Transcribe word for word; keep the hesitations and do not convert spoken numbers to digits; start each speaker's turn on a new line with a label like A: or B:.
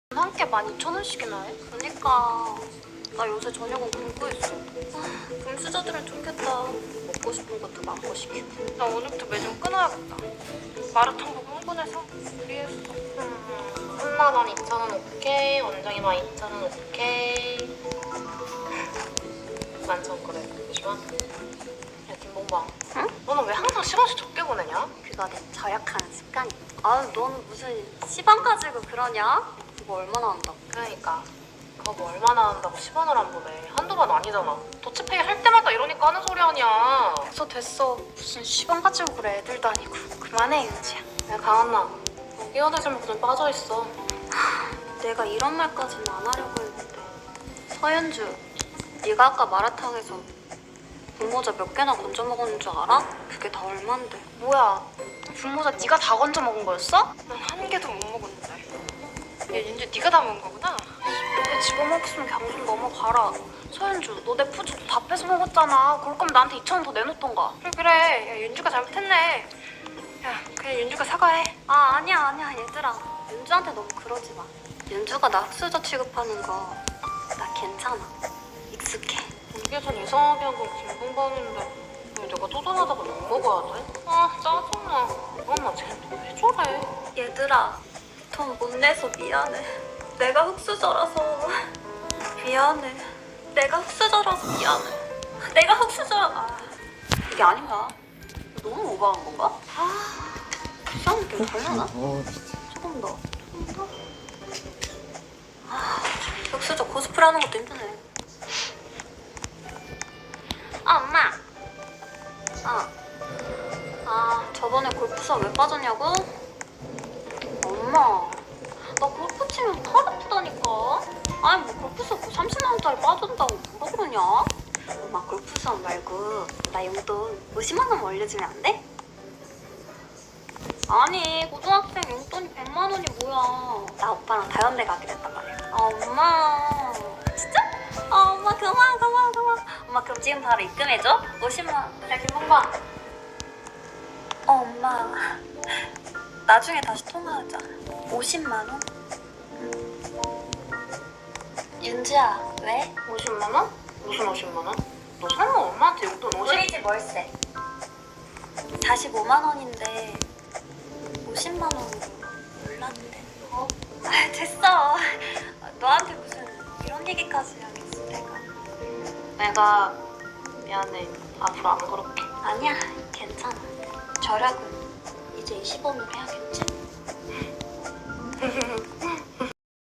A: 한 끼에 만 이천 원씩이나 해? 그니까 나 요새 저녁은 굶고 있어. 아, 금수저들은 좋겠다. 먹고 싶은 것도 마음껏 시키고. 나 오늘부터 매점 끊어야겠다. 마라탕 보고 흥분해서 무리했어. 음, 삼만 원, 이천 원 오케이. 원장이만 이천 원 오케이. 만천 그래. 잠시만. 야 김봉방. 응? 너는 왜 항상 시간씩 적게 보내냐? 그거 내 절약하는 습관이야. 아 너는 무슨 시간 가지고 그러냐? 그거 얼마나 한다고? 그러니까 그거 뭐 얼마나 한다고 십 원을 안 보내. 한두 번 아니잖아. 더치페이 할 때마다 이러니까 하는 소리 아니야. 됐어 됐어. 무슨 시간 가지고 그래. 애들도 아니고. 그만해 윤지야. 야 강한나 너 끼어들지 말고 좀 빠져있어. 하, 내가 이런 말까지는 안 하려고 했는데. 서현주 네가 아까 마라탕에서 분모자 몇 개나 건져 먹었는 줄 알아? 그게 다 얼만데. 뭐야 분모자 네가 다 건져 먹은 거였어? 난 한 개도 못 먹었는데. 야 윤주 네가 다 먹은 거구나? 너왜 집어먹었으면 그냥 좀 넘어가라. 서현주 너 내 푸주도 다 뺏어 먹었잖아. 그럴 거면 나한테 이천 원 더 내놓던가. 그래 그래. 야 윤주가 잘못했네. 야 그냥 윤주가 사과해. 아 아니야 아니야 얘들아. 윤주한테 너무 그러지 마. 윤주가 나 흑수저 취급하는 거 나 괜찮아. 익숙해. 이게 전 이상하게 한 건 김봉방인데 왜 내가 쪼잔하다고 욕 먹어야 돼? 아 짜증나. 엄마 쟤는 왜 저래? 얘들아 돈 못 내서 미안해. 내가 흑수저라서 미안해. 내가 흑수저라서 미안해. 내가 흑수저라... 아, 이게 아닌가? 너무 오버한 건가? 아 이상한 게 되려나? 조금 더 조금 더? 아 흑수저 코스프레 하는 것도 힘드네. 아 엄마. 아, 아 저번에 골프수업 왜 빠졌냐고? 엄마 나 골프 치면 팔 아프다니까. 아니 뭐 골프수업 뭐 삼십만 원짜리 빠진다고 뭐라 그러냐? 엄마 골프수업 말고 나 용돈 오십만 원 올려주면 안 돼? 아니 고등학생 용돈이 백만 원이 뭐야. 나 오빠랑 다현대 가기로 했단 말이야. 아 엄마 진짜? 아 엄마 그만 그만 그만. 엄마 그럼 지금 바로 입금해줘. 오십만 원. 야 김봉방. 어 엄마 나중에 다시 통화하자. 오십만 원? 윤주야 왜? 오십만 원? 무슨 오십만 원? 너 설마 엄마한테 용돈 오십... 우리 집 월세 사십오만 원인데 오십만 원으로 올랐대. 어? 아 됐어. 너한테 무슨 이런 얘기까지 하겠어 내가. 내가 미안해. 앞으로 안 그럴게. 아니야 괜찮아. 절약은 이제 이십 원으로 해야겠지?